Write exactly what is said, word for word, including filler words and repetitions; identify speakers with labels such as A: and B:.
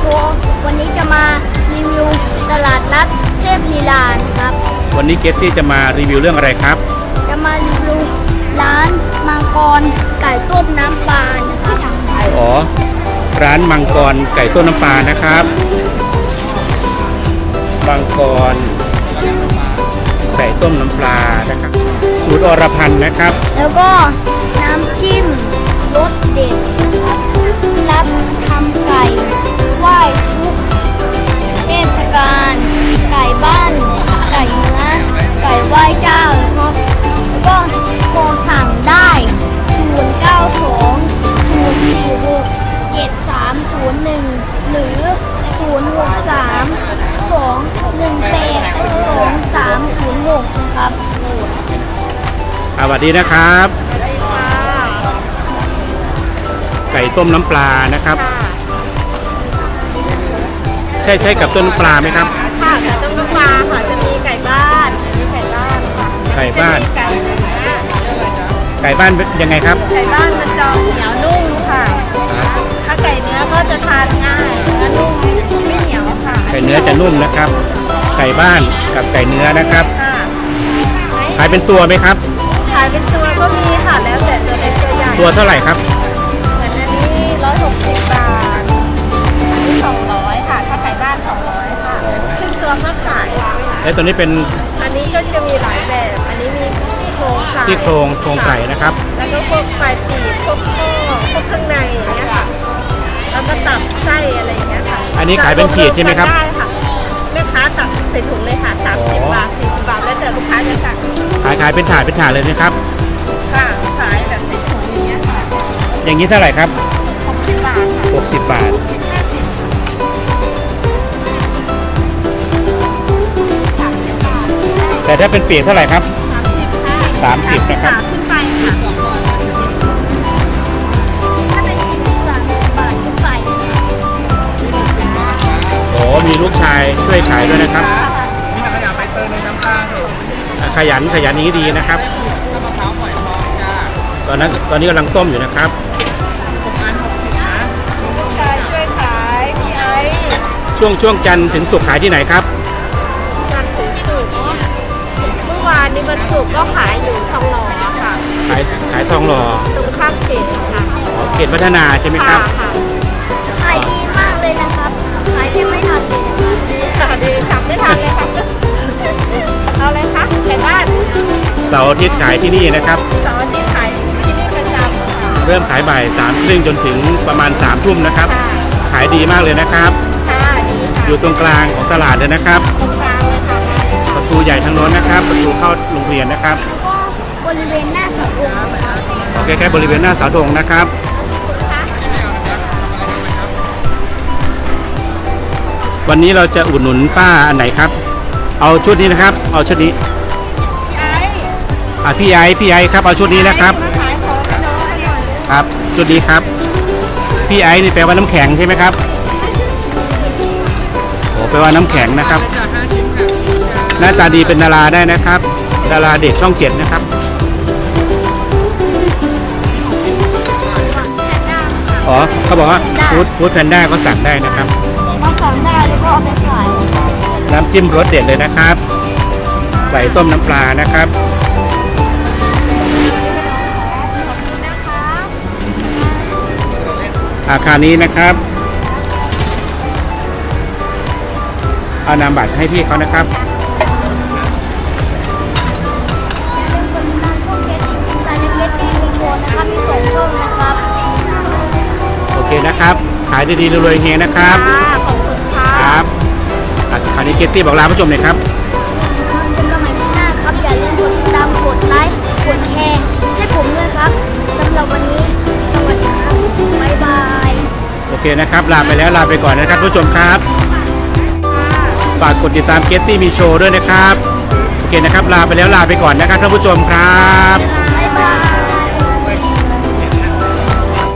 A: ชว์วันนี้จะมารีวิวตลาดนัดเทพลีลาครับ
B: วันนี้เกตตี้จะมารีวิวเรื่องอะไรครับ
A: จะมารีวิวร้านมังกรไก่ต้มน้ำปลานะครับ
B: อ๋อร้านมังกรไก่ต้มน้ำปลานะครับมังกรไก่ต้มน้ำปลานะครับสูตรอรพันธ์นะครับ
A: แล้วก็น้ำจิ้มรสเด็ดรับทำไก่ไหว้ทุกเทศกาลไก่บ้านไก่เนื้อไก่ไหว้เจ้าครับแล้วก็โทรสั่งได้ศูนย์ เก้า สอง ศูนย์ สี่ หก เจ็ด สาม ศูนย์ หนึ่งหรือศูนย์ หก สาม สอง หนึ่ง แปด สอง สาม ศูนย์ หกนะครับ
B: สวัสดีนะครับไก่ต้มน้ำปลานะครับใช่ใช่กับต้มน้ำปลาไหมครับ
C: ค่ะไก่ต้มน้ำปลาค่ะจะมีไก่บ้านมีไก่บ้านค่ะ
B: ไก่บ้าน
C: ไก่เนื้อ
B: ไก่บ้านยังไงครับ
C: ไก่บ้านมันจะเหนียวนุ่มค่ะถ้าไก่เนื้อก็จะทานง่ายเนื้อนุ่มไม่เหนียวค่ะ
B: ไก่เนื้อจะนุ่มนะครับไก่บ้านกับไก่เนื้อนะครับขายเป็นตัวไหมครับ
C: ขายเป็นตัวก็มีค่ะแล้วแต่ตัวเล็กตัวใหญ่
B: ตัวเท่าไหร่ครับ
C: เหมือนอันนี้ร้อยหกสิบบาทอันนี้สองร้อยค่ะถ้าไก่บ้านสองร้อยค่ะซึ่งตัวก็ขาย
B: แล้วตัวนี้เป็น
C: อันนี้ก็จะมีหลายแบบอันนี้มีที่โครงไก่
B: ที่โครงโครงไก่นะครับ
C: แล้วก็พวกปลายปีกพวกข้อพวกข้างในอย่างเงี้ยค่ะแล้วก็ตับไส้อะไรอย่างเงี้ยค่ะ
B: อันนี้ขายเป็นขีดใช่ไหมครับ
C: ได้ค่ะแม่ค้าตักใส่ถุงเลยค่ะสามสิบบาทสี่สิบบาทแล้วแต่ลูกค้าจะสั่ง
B: ขายขายเป็นถาดเป็นถาดเลยนะครับ
C: ค่ะขายแบบใส่ถุงอย่างเงี้ยค่ะ
B: อย่างนี้เท่าไหร่ครับ
C: หกสิบบาทค่ะ
B: หกสิบบาท
C: สิบห้าสิบ
B: แต่ถ้าเป็นปีกเท่าไหร่ครับ
C: สามสิบ
B: ค่ะสามสิบนะครับ
C: ขึ้นไปค่ะ
A: ถ้าเป็นสามสิบบาทขึ้นไป
B: โอ้มีลูกชายช่วยขายด้วยนะครับขยันขยันนี้ดีนะครับตอนนั้นตอนนี้กำลังต้มอยู่นะครับ
C: ลูกชายช่วยขายพี่ไอ
B: ช่วงช่วงจันทร์ถึงศุกร์ขายที่ไหนครับ
C: จันทร์ถึงศุกร์เมื่อวานนี้วันศุกร์ก็ขายอยู่ทองหล่อค่ะ
B: ขายขายทองหล่อ
C: ตรงข้ามเขตค่ะ
B: เขตพัฒนาใช่ไหมครับ
A: ขายดีมากเลยนะครับขายแทบไม่ทันเลย
C: ดีค่ะดีจับไม่ทันเลยค่ะเอาเลยคะไก่บ้าน
B: เสาร์อาทิตย์ขายที่นี่นะครับ
C: เสาร์อาทิตย์ขายที่นี่ประจำ
B: เริ่มขายบ่ายสามครึ่งจนถึงประมาณสามทุ่มนะครับขายดีมากเลยนะครับอยู่ตรงกลางของตลาดเลยนะครับ
C: ตรงกลางเลยค่ะ
B: ประตูใหญ่ทางโน้นนะครับประตูเข้าโรงเรียนนะครับ
A: บริเวณหน้าเสาธง
B: โอเคแค่บริเวณหน้าเสาธงนะครับวันนี้เราจะอุดหนุนป้าอันไหนครับเอาชุดนี้นะครับเอาชุดนี้อ่ะพี่ไอพี่ไอครับเอาชุดนี้นะครับครับชุดนี้ครับพี่ไอนี่แปลว่าน้ำแข็งใช่ไหมครับโอ้แปลว่าน้ำแข็งนะครับหน้าตาดีเป็นดาราได้นะครับดาราเด็กช่องเจ็ดนะครับอ๋อเขาบอกว่าฟู้ดฟู้ดแพนด้าก็สั่งได้นะครับ
A: มาสั่งได้แล้วก็เอาไปขาย
B: น้ำจิ้มรสเด็ดเลยนะครับไก่ต้มน้ำปลานะครับอาคารนี้นะครับเอานามบัตรให้พี่เขานะครับโอเคนะครับขายดีๆรวยๆเฮงนะครับ
C: ขอบคุณค่ะ
B: ครับคราวนี้เกตตี้บอกลาผู้ชมหน่อยครับ
A: เป็นกำลังใจหน้าครับอย่าลืมกดติดตามกดไลค์กดแชร์ให้ผมด้วยครับสำหรับวันนี้สวัสดีครับบ๊ายบาย
B: โอเคนะครับลาไปแล้วลาไปก่อนนะครับผู้ชมครับฝากกดติดตามเกตตี้มีโชว์ด้วยนะครับโอเคนะครับลาไปแล้วลาไปก่อนนะครับท่านผู้ชมครับ